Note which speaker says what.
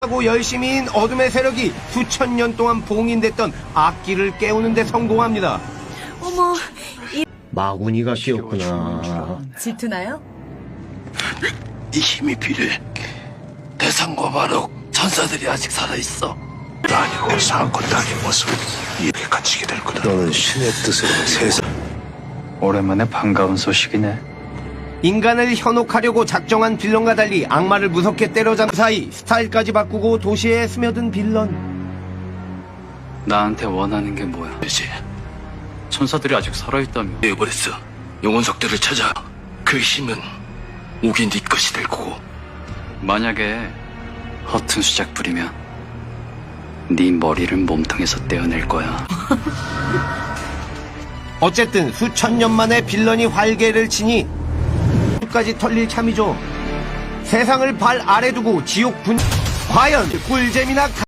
Speaker 1: 하고 열심히인 어둠의 세력이 수천 년 동안 봉인됐던 악기를 깨우는 데 성공합니다.
Speaker 2: 어머,
Speaker 1: 마구니가 끼었구나.
Speaker 2: 질투나요?
Speaker 3: 이 힘이 필요해. 대상과 바로 천사들이 아직 살아있어. 아니고 사건도 아닌 모습 이렇게 갇히게 될 거다. 너는 신의 뜻으로 세상.
Speaker 4: 오랜만에 반가운 소식이네.
Speaker 1: 인간을 현혹하려고 작정한 빌런과 달리 악마를 무섭게 때려잡는 사이 스타일까지 바꾸고 도시에 스며든 빌런.
Speaker 4: 나한테 원하는 게 뭐야?
Speaker 3: 이제
Speaker 4: 천사들이 아직 살아있다며.
Speaker 3: 내버렸어. 영혼석들을 찾아. 그 힘은 오긴 네 것이 될 거고.
Speaker 4: 만약에 허튼 수작 부리면 네 머리를 몸통에서 떼어낼 거야.
Speaker 1: 어쨌든 수천 년 만에 빌런이 활개를 치니 까지 털릴 참이죠. 세상을 발 아래 두고 지옥 분 과연 꿀잼이나